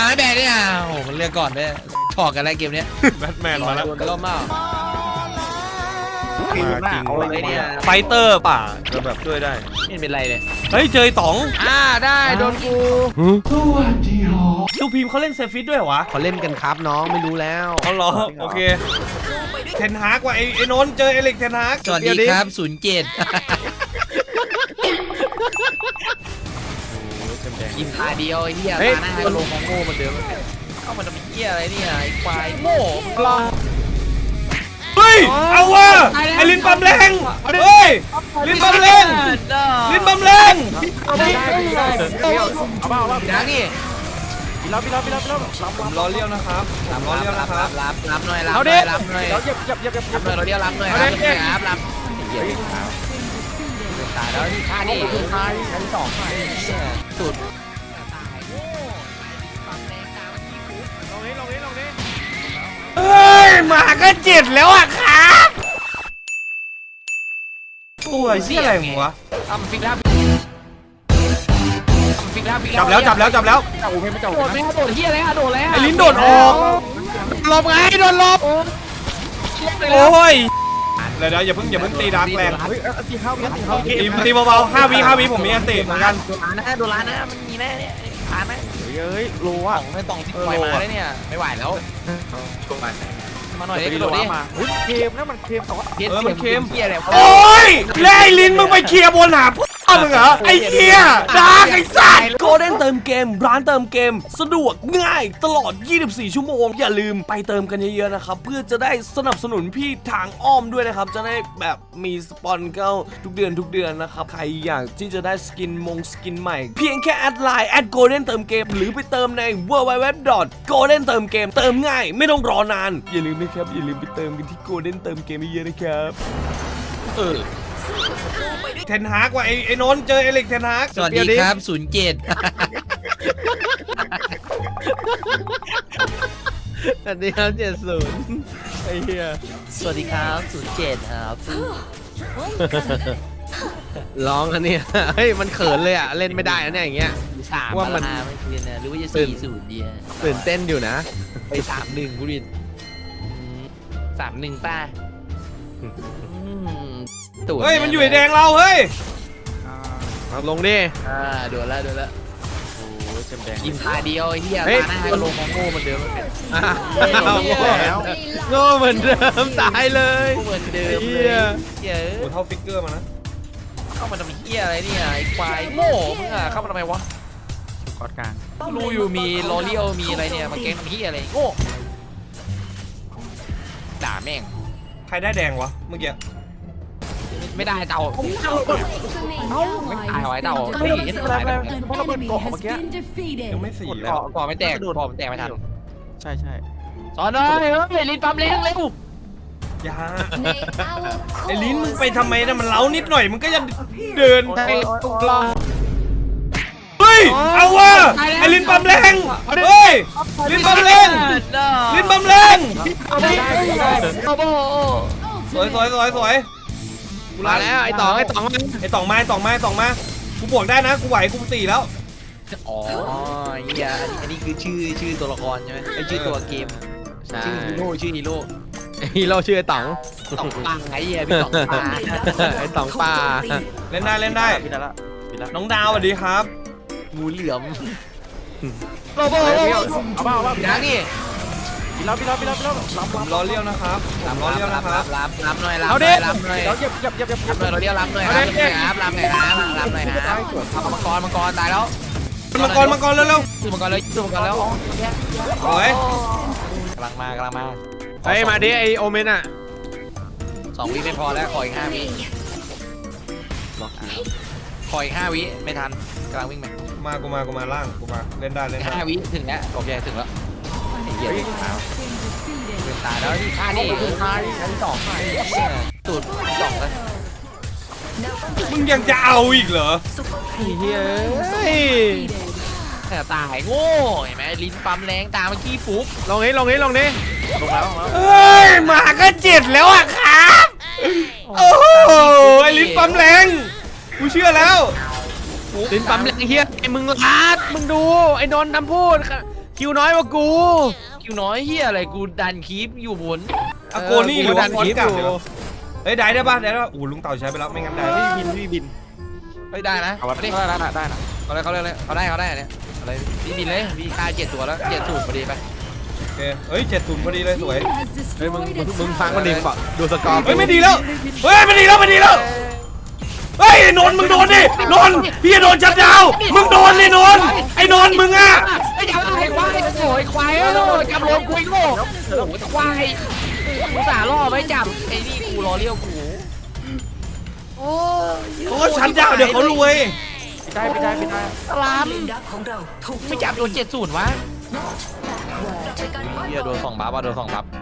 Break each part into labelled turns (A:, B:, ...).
A: ไม่แบกเนี่ยโอ้มันเลือกก่อนด้วยถอดกันอะไรเกมเนี้ย
B: แบทแมนมาแล้ว
A: ก็มาก
B: มาจริง
A: เอาเลยเนี่ย
B: ไฟเตอร์ป่ะจะแบบช่วยได้
A: ไม่เป็นไรเลย
B: เฮ้ยเจอไอ้ต๋อง
A: ได้โดนกู
B: ซูพีมเขาเล่นเซฟิตด้วยเหรอวะ
C: เขาเล่นกันครับน้องไม่รู้แล้ว
B: เอาเหรอโอเคเทนฮากว่ะไอ้นนท์เจอเอลิกเทนฮาก
A: สวัสดีครับ07ยิงตาเดียวไอ้เหี้ยตาหน้าก็ลงของโง่เหมือนเดิมเข้ามาทำเหี้ยอะไรเนี่ยไอ้ควายโง่รอ
B: เฮ้ยเอาว่ะไอ้ลินปั๊มแรงเฮ้ยลินปั๊มแรงลินปั๊มแรง
A: นะนี่
B: ผมรอเลี้ยวนะครับผมรอเลี้ยวนะครับ
A: รับหน่อยรับหน่อยรับหน่อยเราเรียกรับหน่อยรับตายแล้วที่ฆ่านี่ชั้น2สุด
B: เฮ้ยหมาก็7แล้วอ่ะครับตัวเชี่ยอะไรมึงวะจับแล้วโดดไหมโดดเฮียอะไรโดดแล้วไอ้ลิ้นโดดออกหลบไงโดนหลบโอ้ยเดี๋ยวอย่าเพิ่งตีดักแรงตีเบาๆ5 วิผมมีอันติเหมือนกัน
A: โดนล้านนะมันมีแน่เนี่ยผ่านไหมรู้ว่าไม่ต้องที่ปล่อยมาได้เนี่ยไม่ไหวแล้วมาหน่อยดิโดดดิเค็มนะมันเค็มต่อเค็มเฮียอะไร
B: โอ้ยแล้วไอ้ลิ้นมึงไปเคลียร์บนหาพ่อมึงเหรอไอ้เหี้ยดักไอ้สัตว์โกลเด้นเติมเกมร้านเติมเกมสะดวกง่ายตลอด24 ชั่วโมงอย่าลืมไปเติมกันเยอะๆนะครับเพื่อจะได้สนับสนุนพี่ทางอ้อมด้วยนะครับจะได้แบบมีสปอนเข้าทุกเดือนนะครับใครอยากที่จะได้สกินใหม่เพียงแค่แอดไลน์โกลเด้นเติมเกมหรือไปเติมใน www.golden เติมเกมเติมง่ายไม่ต้องรอนานอย่าลืมนะครับอย่าลืมไปเติมกันที่โกลเด้นเติมเกมเยอะๆนะครับเทนฮากว่ะไอ้นนท์เจอเอลิกเทนฮาก
A: สวัสดีครับ07
C: อันนี้ครับ70ไอ้เหี้ย
A: สวัสดีครับ07ครับ
C: ร้องอันนี้เฮ้ยมันเขินเลยอ่ะเล่นไม่ได้นะเนี่ยอย่างเงี้ย
A: 3
C: ว่ามัน
A: ไม่คืนนะหรือว่าจะ40ดี
C: ตื่นเต้นอยู่นะ
A: ไป31บุริน31ป้า
B: เฮ้ยมันอยู่ไอ้แดงเราเฮ้ย
C: เอาลงดิ
A: โดนแล้วโอ้ยแดงยิงตาเดียวไอ้เหี้ยตาหน้าก็ลงของโง่เหมือนเดิม
C: โง่เหมือนเดิมตายเลย
A: เหมือนเดิม
C: เหี้
A: เลย ย
B: โอ้เท่าฟิกเกอร์มานะ
A: เข้ามาทำเหี้ยอะไรเนี่ยไอ้ควายโง่มึงอะเข้ามาทำไมวะกอดกลางรู้อยู่มีโรเลียวมีอะไรเนี่ยมาแกงทำเหี้ยอะไรโง่ด่าแม่ง
B: ใครได้แดงวะเมื่อกี้
A: ไม่ได้เต่าไม่ตายไว้เต่าเฮ้ยเห็นตายแบบเพราะเราเป็นเกาะเมื่อกี้
B: ยังไม่4แล้ว
A: เกาะไม่แตกเกาะมันแตกไม่ทัน
C: ใช่
A: สอนหน่อยเฮ้ยลิ้นปั๊มเร็วเร็ว
B: อย่าไอ้ลิ้นมึงไปทำไมนะมันเล้านิดหน่อยมึงก็จะเดินเฮ้ยเอาว่ะไอ้ลิ้นปั๊มแรงเฮ้ยลิ้นปั๊มแรงลิ้นปั๊มแรงสวยกู
C: มาแล้วไอ้ต๋อง
B: มากูบวกได้นะกูไหวกู4แล้ว
A: อ๋อเฮียอันนี้คือชื่อตัวละครใช่ไหมไอชื่อตัวเกมชื่อฮีโร่
C: ฮีโร่ชื่อไอ้ต๋อง
A: ต่องปังไอ้เหี้ยพี่ต่องปลา
C: ไอ้ต๋องป่า
B: เล่นได้น้องดาวสวัสดีครับ
A: งูเหลือม
C: เอา
A: นะนี่
B: ผมรอเลี้ยวนะครับผมรอเลี้ยวนะครับ
A: รับหน่อยรับหน่อยเราเรียกรับหน่อยครับรับหน่อยครับมังกรตายแล้ว
B: มังกรเร็ว
A: สู้มังกรแล้ว
B: ๆสวย
A: กำลังมา
C: เฮ้ยมาดิไอโอเมนอ่ะ
A: 2 วิไม่พอแล้วขออีก 5 วิขออีก 5 วิไม่ทันกำลังวิ่งไป
B: กูมาล่างกูมาเล่นได้
A: 5 วิถึงแล้วโอเคถึงแล้วไอ้เหี้ยตายแล้วที่ฆ่านี่ชั้น 2สุด2แล้ว
B: มึงยังจะเอาอีกเหรอ
C: เฮ้ย
A: แต่ตายโง่เห็นไหมลิ้นปั๊มแรงตาเมื่อกี้ฟุก
C: ลงนี้
A: ลงแล้ว
B: เฮ้ยหมาก็7แล้วอ่ะครับโอ้โหไอ้ลิ้นปั๊มแรงกูเชื่อแล้ว
C: ลิ้นปั๊มแรงเฮียไอ้มึงลาดมึงดูไอ้นนท์ทำพูดคิวน้อยกว่ากู
A: คิวน้อยเฮียอะไรกูดันคีปอยู่บน
B: อะโกนี่หรือว่าฟอนต์เก่า
C: อยู่
B: เฮ้ยได้ปะได้ปะอู้ลุงเต่าใช้ไปแล้วไม่งั้นได้
C: พี่บิน
A: เฮ้ยได้นะ
D: เอา
A: เอาดิ
D: ได้นะ
A: เขาเลยเขาได้เนี่ยอะไรพี่บินเลยมีค่า7 ตัวแล้ว7 สูตรพอดีไป
B: โอเคเฮ้ย70พอดีเลยสวย
C: เฮ้ยมึงฟังมันดิบอกดูสกอร์
B: เฮ้ยไม่ดีแล้วเฮ้ยไม่ดีแล้วเฮ้ยนนท์มึงโดนดินนท์พี่จะโดนชัดดาวมึงโดนเลยนนท์ไอ้นนท์มึงอะ
A: ไอ้จับไอ้ควายโอ้ยควายจับโลคุยโง่โอ้ยควายกูสาล่อไม่จับไอ้นี่กูรอเลี้ยวกูโอ้
B: เขาก็ชัดดาวเดี๋ยวเขารวย
D: ไม่ได้
A: สลามไม่จับโดน70วะเฮียโดน2 บัฟโดน2 บัฟ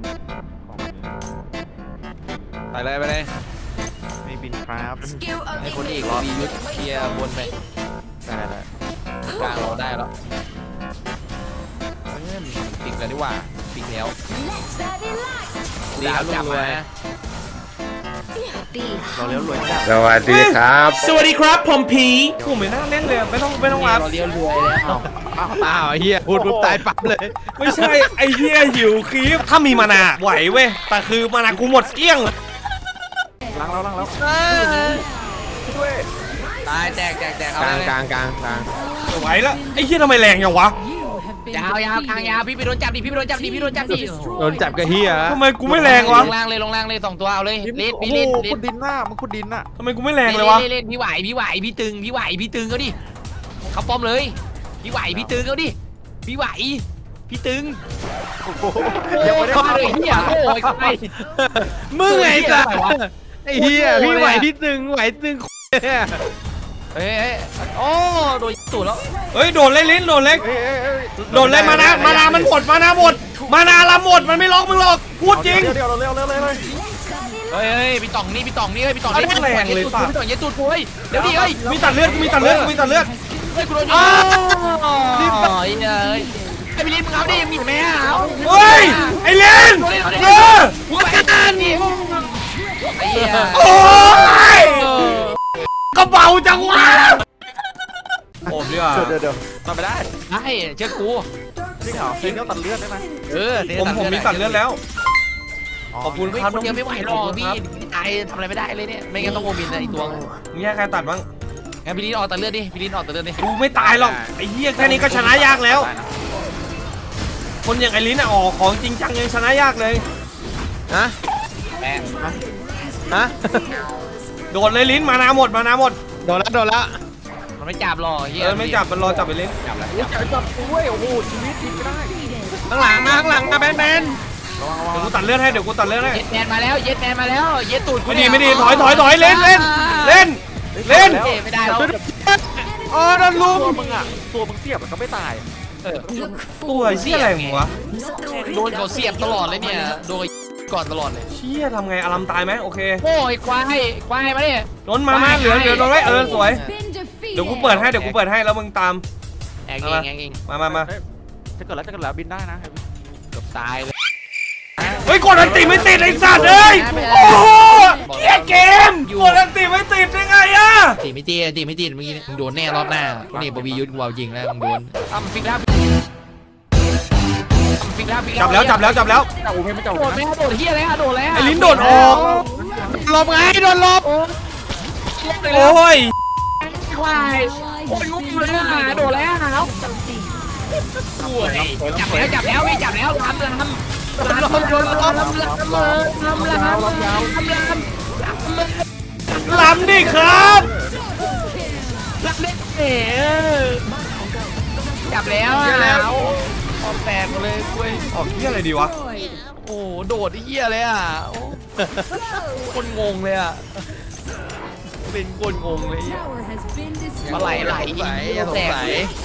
A: ไปเลย
D: ไม่บินครับ
A: ไอ้คนเอกรอดียุทธเคลียร์บนไปได้กลางเราได้แล้วปิดแล้วดีกว่าปิดแล้วดีครับจับมา
D: เราเลี้ยวรวยจัด
E: สวัสดีครับ
B: สวัสดีครับผมพีผมไม่น่าเล่นเลยไม่ต้องรับ
A: เราเลี้ยวรวยแล้ว
C: อ้าวเฮียพูดปุ๊บตายปั๊บเลย
B: ไม่ใช่ไอ้เหี้ยหิวคลิปถ้ามีมานาไหวเว้ยแต่คือมานากูหมดเกลี้ยง
D: ล้างแล้วด้วย
A: ตายแตกเอา
C: กลาง
A: เลย
C: กลางกลางกลาง
B: ไหวแล้วไอ้เหี้ยทำไมแรงอย่างวะ
A: ยาวกลางยาวพี่ไปโดนจับดิ
C: โดนจับกับเฮีย
B: ทำไมกูไม่แรงวะ
A: ลงล่างเลย2 ตัวเอาเลยเล่น
D: โอ้
A: พี่
D: โห
A: เล่น
D: ขุดดินหน้ามึงขุดดินน่ะ
B: ทำไมกูไม่แรงเลยวะ
A: เล่นพี่ไหวพี่ตึงเขาดิเขาป้อมเลยพี่ไหวพี่ตึงเขาดิพี่ไหวพี่ตึง
D: ยังไม่ได้
A: มาเลยเฮียโอ้ยใคร
C: มึงไงจ้ะไอ้เฮียพี่ไหวพี่ตึงเนี่ย
A: เฮ้ยโอ้โดนตูดแล้ว
B: เฮ้ยโดนเลยลิ้นโดนเล็ก
D: เอ้ย
B: โดนเลยมานามันหมดมานาละหมดมันไม่ล็อกมึงหรอกพูดจริง
D: เดี๋ยวเราเร็วเลย
A: เฮ้ยพี่ต่องนี่พี่ต่อง
B: เอาได้แรงเลยป่ะ
A: พี่ต่องเย็ดตูดกูเฮ้ยเดี๋ยวดิเฮ้ย
B: มีตัดเลือดเลือด
A: เฮ้ยกูโดนรีบไปเลยไอ้พี่ลิ้นมึงเอาดิมีแม่เอา
B: เฮ้ยไอ้เลน
A: กูกันนี่ไอ้เหี้ย
B: โอ้ยกระเป๋าจังวะผมดีกว่า
D: เดี๋ยวทำไม่ได้
A: ได้เชื่อกู
D: จริงเหรอเลี้ยวตัดเลือดได้ไหม
B: ผมมีตัดเลือดแล้วขอบคุณครับ
A: คนเดียวไม่ไหวหรอกพี่ตายทำอะไรไม่ได้เลยเนี่ยไม่งั้นต้องโมบินนะอีกตัว
B: มีใครตัดบ้าง
A: งั้นพี่ลิ้นออกตัดเลือดดิพี่ลิ้นออกตัดเลือดดิ
B: กูไม่ตายหรอกไอ้เหี้ยแค่นี้ก็ชนะยากแล้ว คนอย่างไอ้ลิ้นอ่ะออกของจริงจังยังชนะยากเลย
C: ฮะ
A: แม่
C: ฮะ
B: โดดเลยลิ้นมานาหมด
C: โดนแล้ว
A: มันไม่จับหรอกเฮีย
B: ไม่จับมันรอจับไปลิ้น
A: จับแล้ว
D: จับด้วยโอ้โหชีวิตทิ้งไม่ได้
C: ข้างหลังมาแบน
B: เดี๋ยวกูตัดเลือดให้
A: เย็ดแมนมาแล้วเย็ดตูดกู
B: ไม่ดีถอยเล่นเล่น
A: ไม่ได้แล้ว
C: อ๋อโดนลุม
D: ตัวมึงเสียบมันก็ไม่ตาย
B: ตัวเชี่ยอะไรมึงวะ
A: โดนเขาเสียบตลอดเลยเนี่ยโดนก่อนตลอดเลย
B: เชี่ยทำไงอารัมตายไหมโอเค
A: โอ้ยควายมาดิ
B: นนมาเหลือโดนไว้สวยเดี๋ยวกูเปิดให้แล้วมึงตาม
A: แองเอง
B: มา
D: จะเกิดแล้วบินได้นะ
A: เกือบตายเลย
B: เฮ้ยกดอันติไม่ติดไอ้สัตว์เอ้ยโอ้โหเหี้ยเกมกดอันติไม่ติดได้ไงอะ
A: ตีไม่ตีเมื่อกี้มึงโดนแน่รอบหน้าคนนี้บวียุทธกูเอาจริงแล้วมึงโดนฟิกแล้ว
B: จับแล้ว
D: แต่โอ้ไม่จับ
A: โดดไหมโดดเฮียอะไรโดดแล้ว
B: ไอ้ลิ้นโดดออก
C: หลบไงโดนหลบ
B: โอ้ย
A: ควายโอ้ยงุ้มเลยโดดแล้วจับแล้วลำ
B: ล้ำดิครับ
A: จับแล้วพอแตกเลยคุย
B: ออกเหี้ยอะไรดีวะ
A: โอ้โดดเฮียเลยอ่ะคนงงเลยอ่ะเป็นคนงงเลยมาไหลแตก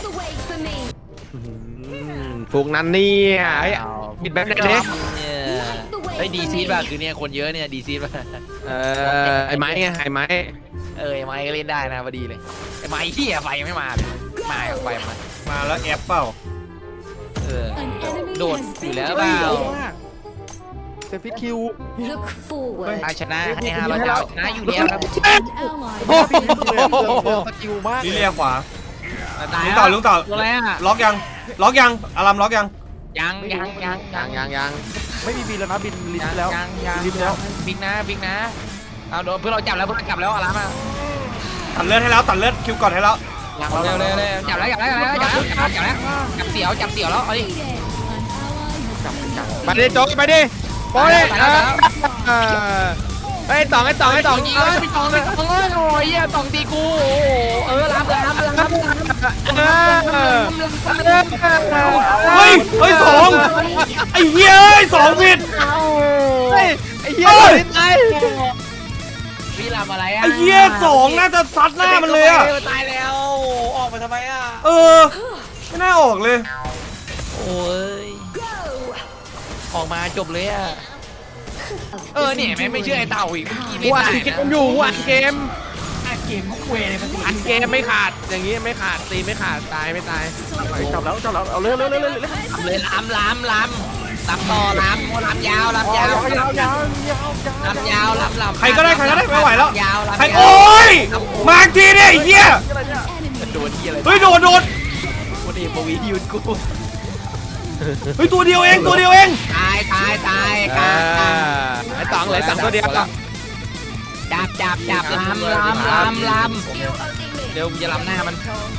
C: พวกนั้นเนี่ยปิดแบบไหนดิ
A: ไอ้ดีซีดป่ะคือเนี่ยคนเยอะเนี่ยดีซีดป่ะ
C: ไอ้ไม้ไงไอ้ไม้
A: ไม้ก็เล่นได้นะพอดีเลยไอ้ไม้เฮียไฟไม่มาเลยมาไฟมา
B: แล้วแอปเปล่า
A: โดดอยู่แล้วเปล่า
D: เซฟิตคิว
A: ชนะให้500 ดาวชนะอยู่แล้วครับ
D: สกิลมาก
B: ลิเลียขวา
A: ตาย
B: ลุงต่อ
A: ตัวอะไรอ่ะ
B: ล็อกยังล็อกยังอารามล็อกยัง
A: ยัง
D: ไม่มีบินแล้วนะบินลิ้นแล้ว
A: ยัง
D: ลิ้นแล้ว
A: บิ๊กนะเอาโดนเพื่อนเราจับแล้วอะไรมา
B: ตัดเลือดให้แล้วตัดเลือดคิวก่อนให้แล้ว
A: เร็วจับแล้วจับเสียวแล้วเอาดิ
C: ไปดิโจ๊กไปดิโป๊ะดิไอ้ตอง
A: ยิงเลยพี่ตองเลยโอ้ยตองตีกูรับ
B: เฮ้ยสองไอ้เหี้ยสองผิด
C: ไอ้เหี้ยตาย
A: พี่รับอะไรอ่ะ
B: ไอ้เหี้ยสองน่าจะซัดหน้ามันเลยอะ
A: ตายแล้วออกมาทำไมอ่ะ
B: ไม่น่าออกเลย
A: โอ้ยออกมาจบเลยอ่ะเนี่ยไม่เชื่อไอ้เต่าอีก
C: กูอัดเกมอยู่อัดเกม
A: เกมคุยเลยมัน
C: อัดเกมไม่ขาดอย่างงี้ไม่ขาดตีไม่ขาดตายไม่ตาย
D: จับแล้วเอาเร็ว
A: เลยล้ำต่อล้ำยาวล้ำ
B: ใครก็ได้ไม่ไหวแล้ว
A: ยาว
B: ใครโอ้ยมาอีกทีเนี่ยไอ้เหี้ย
A: โดนที่อะไร
B: เฮ้ยโดน
A: วันนี้ปวียืนกู
B: เฮ้ยตัวเดียวเอง
A: ตาย
C: ไอ้ตองเลยตัวเดียว
A: จับล้ำเดี๋ยวจะล้ำหน้ามัน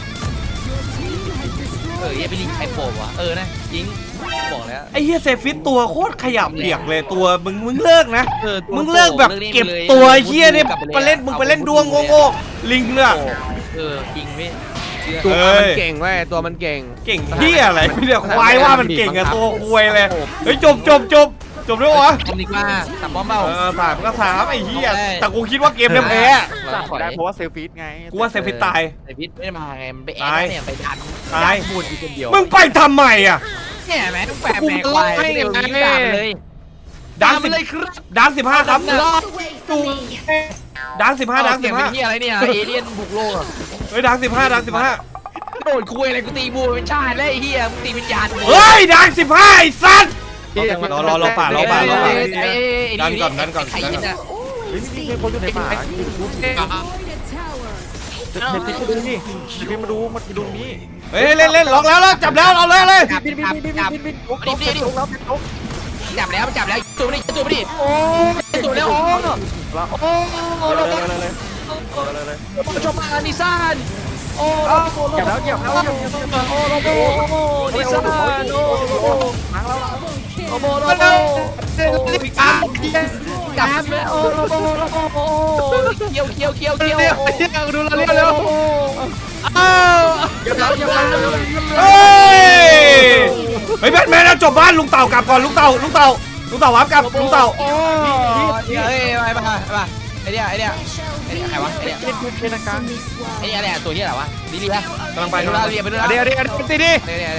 A: อย่าไปลิงใครโผล่วะนะยิงบอกแล้ว
B: ไอ้เหี้ยเซฟิตตัวโคตรขยับเปียกเลยตัวมึงเลิกนะมึงเลิกแบบเก็บตัวเหี้ยเนี่ยไปเล่นดวงโง่ลิงเนี่ย
A: จริงพี่
C: ตัวมันเก่งเว้ยตัวมันเก่ง
B: เก่งเหี้ยอะไรไม่ได้ควายว่ามันเก่งอะตัวควยเลยเฮ้ยจบด้วยวะ
A: ทำดีกว่าตับป้อมเบา
B: ถามก็ถามไอ้เหี้ยแต่กูคิดว่าเกมเนี่ยแพ้
D: ได้เพราะว่าเซลฟีดไง
B: กูว่าเซฟิตตาย
A: ไอพิษไม่ได้มาไงมันไปแอดเนี่ยไปดัน
B: ตาย
A: พูดอยู่คนเดียว
B: มึงไปทำไมอะ
A: เนี่ยแม่ต้องแปะแม่ควายเดี๋ยวนี้ด่าเลย
B: ดัง
A: เลยครับ
B: ดัง15ครับ
A: รอด
B: ดัง15ดัง
A: เสียงเป็นที่อะไรเนี่ยเอเลี่ยนบุกโลก
B: เฮ้ยดัง15
A: โดนคุยอะไรกูตีบูเป็นชาติแล้วไอ้เหี้ยมึงตีวิญญาณ
B: เฮ้ยดัง15ไอ้สัตว์รอป่า ดันก่อน
A: ใครยินอ่ะ
D: มีคนอยู่ในป่าเด็กติดดูนี่พี่มาดูนี่
B: เฮ้ยเล่นล็อกแล้วจับแล้วเอาเลย
A: จับแล้วตัวนี้โอ้ตัวแล้วโอ้ชมอานิซานโอ้
D: จับแล้ว
A: โอ้นิซานโอ้โบโลโบจับแล้วโอ้โบเคียว
C: ดูเราเร็ว
B: เฮ้ยแบทแมนจบบ้านลุงเต่ากลับก่อนลุงเต่าวับกลับลุงเต่า
A: เฮ้ยไปไอเดียใครวะไอเดีย
D: เป็นกลาง
A: ไอเดียอะไรตัวนี้อะไรวะลิเลีย
B: กำลังไป
A: ไปดูเรียไปดู
C: เดี๋ยวตีดิ
A: เดี๋ยว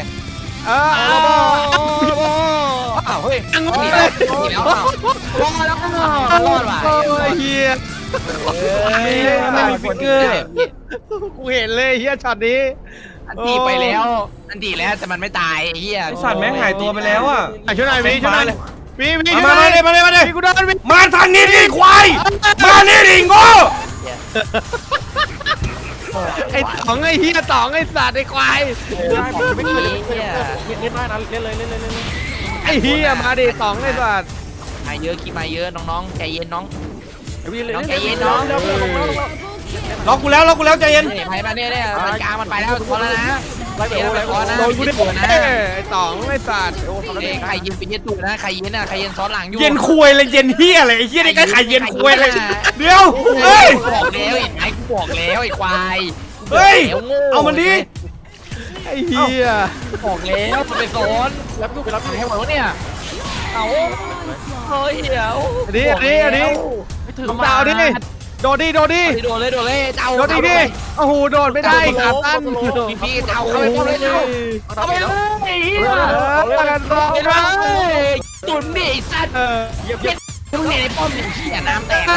C: อ้าว
A: เฮ้ยหนีแล้วรอดว่ะ
C: เฮีย
B: ไม่มีฟิกเกอร์
C: กูเห็นเลยเฮียช็อตนี้
A: อันตีไปแล้วแต่มันไม่ตายเฮีย
B: ไอสัตว์แม่งหายตัวไปแล้วอ่ะ
C: ช่วยหน่อยช่วยหน่อยมี
B: มาเลย
C: กูโดน
B: มาทางนี้ดิควายมานี่ดิโง่
C: ไอ้ต๋องไอ้เฮียต๋องไอ้สัตว์ไอ้ควาย
D: ไม่เคยเล่นได้นะเล่นเลย
C: ไอ้เฮียมาดิต๋องไอ้สัตว์
A: มาเยอะคิดมาเยอะน้องๆใจเย็นน้อง
B: ล็อกกูแล้วใจเย็น
A: ไปมาเนี่ยมันกลางมันไปแล้วพอแล้วนะ
C: โดนกูดิไอ้ต๋องไอ้สัตว์
A: ใครยินไปเย็นตูนะใครเย็นซ้อนหลังอยู่
B: เย็นคุยเลยเย็นเฮียอะไรไอ้เฮียนี่ก็ขายเย็นคุยเลยเดี๋ยวเฮ้ย
A: บอกแล้วไอ้กูบอกแล้วไอ้ควาย
B: เฮ้ยเอามันดิ
C: ไอ้เฮีย
A: บอกแล้วมันไปซ้อนแล้วกูไปรับให้หมดเนี่ยเอาเฮ้ยเดี๋ยว
C: อันนี้มึงดาวดิโดดดิ
A: โดนเลยเจ้า
C: โดดดิโอ้โหโดดไม่ได้ขาตั้น
A: พี่เจ้าเข้าไปเลยเจ้าเข้าไปเลยตุ่นดิสัตว์มึงเนี่ยในป้อมเนี่ยขี้น้ำแตกเลย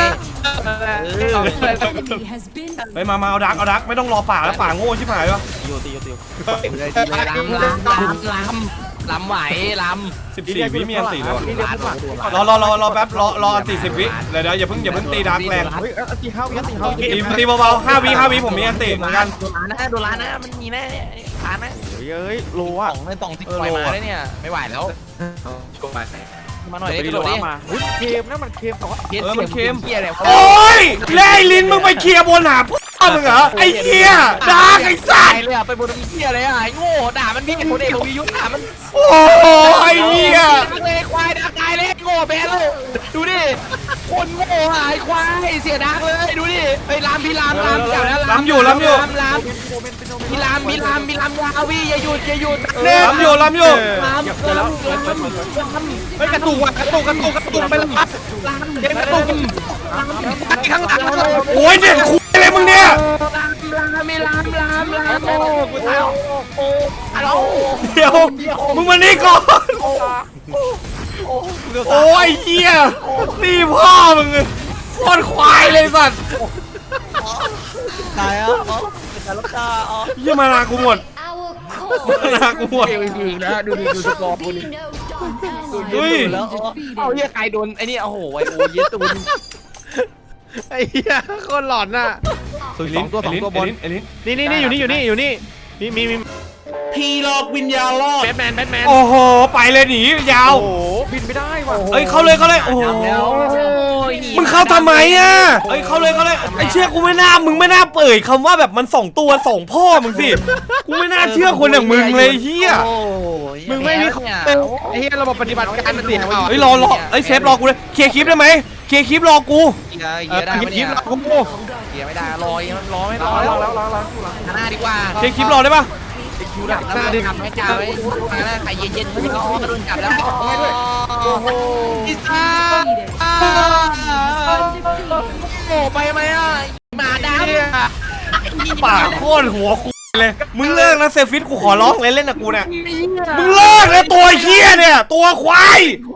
B: ไปมาเอาดักไม่ต้องรอป่าแล้วป่าโง่ชิบหายวะ
D: ตี
A: ลลำไหวล
B: 14 วิมีอันติแล้ว
D: นี่เรียกพุ่งหลัง
B: รอแป๊บรออันติ10 วิเดี๋ยวอย่าเพิ่งตีดาร์กแรง
D: เฮ้ยตีเข้า
B: ตีเบาๆ5 วิผมมีอันติเหมือนกัน
A: ำโดนล้านนะมันมีแน่ขานะ
D: เฮ้ยโลอ่ะ
A: ไม่ต้องที่ปล่อยมาได้เนี่ยไม่ไหวแล้วมาหน่อย
D: ไป
A: ก
D: ดี
A: ระ
D: โล
A: โดดดิ
D: มาเค็มนะมันเค็มแต่ว่า
A: เฮียอะไร
B: โอ้ยเล่ลินมึงไปเคลียร์บนหาพ่อมึงเหรอไอ้เหี้ยดาร์กไอ้สัตว์
A: เลยอ่ะไปบนเฮียอะไรอ่ะไอ้โง่ด่ามันพี่คนเอกวิยุทธ์ด่ามัน
B: โอ้ยเหี้ย
A: ดักเลยควายดักตายเลยโง่แบนเลยดูดิคนโง่หายควายเสียดักเลยดูดิไอ้ลามพี่ลามจับแล้วลามพี่ลามยาวีอย่าหยุด
B: ล้ำอยู่
A: ลาม
C: เฮ้ยกระตุกว่ะกระตุกไปแล้วเด็กกระตุกข้างหลัง
B: โอ้ยเด็กคุยอะไรมึงเนี่ย
A: ลามโอ้กูตายโอ้ฮัลโหล
B: เดี๋ยวมึงมานี่ก่อนโอ้ยเหี้ยตีพ่อมึงโคตรควายเลยสัตว์
A: ตายอ่ะแต่ละตาอ๋อ
B: เหี้ยมานากูหมด นากูหมด
A: ดีนะดูสกอร์กูนี่
B: เฮ้ย
A: แล้วเอาเฮียใครโดนไอ้นี่โอ้โหไอโอเยตูน
C: ไอ้เหี้ยโคตรหลอนน่ะ
B: สองตัวบน
C: นี่อยู่นี่มีพีหลอกวิญญาณรอดแบทแมน
B: โอ้โหไปเลยหนียาว
D: โอ้บินไม่ได้ว่ะ
B: เอ้ยเข้าเลยโอ้โหมึงเข้าทำไมอ่ะเอ้ยเข้าเลยไอ้เชื่อกูไม่น่ามึงไม่น่าเปิดคำว่าแบบมัน2 ตัว2 พ่อมึงสิกูไม่น่าเชื่อคนอย่างมึงเลยเฮีย
C: มึงไม่มีของไอ้เหี้ยระบบปฏิบัติการมันเสีย
B: เฮ้ยรอเอ้ยเซฟรอกูเลยเคลียร์คลิปได้ไหมเคลียร์คลิปรอกู
A: เกียร์ได้ไม่ได้
C: โอ้โห
A: เกียร์ไม่ได้รอไม่
D: ล้
A: รอแล้ว
D: าง
A: หน้าดีกว่า
B: เคลียร์คลิปรอได้ปะ
A: คิวดับหน้าทำให้จ่าไว้หน้าใครเย็นๆไม่ต้องโดนจับแล้วโอ้โหพิซซ่าโอ้ไปไหมอ่ะหมาดำ
B: ปากโคตรหัวกูเลยมึงเลิกนะเซฟิตกูขอร้องเลยเล่นกับกูเนี่ยมึงเลิกเลยตัวเฮียเนี่ยตัวควาย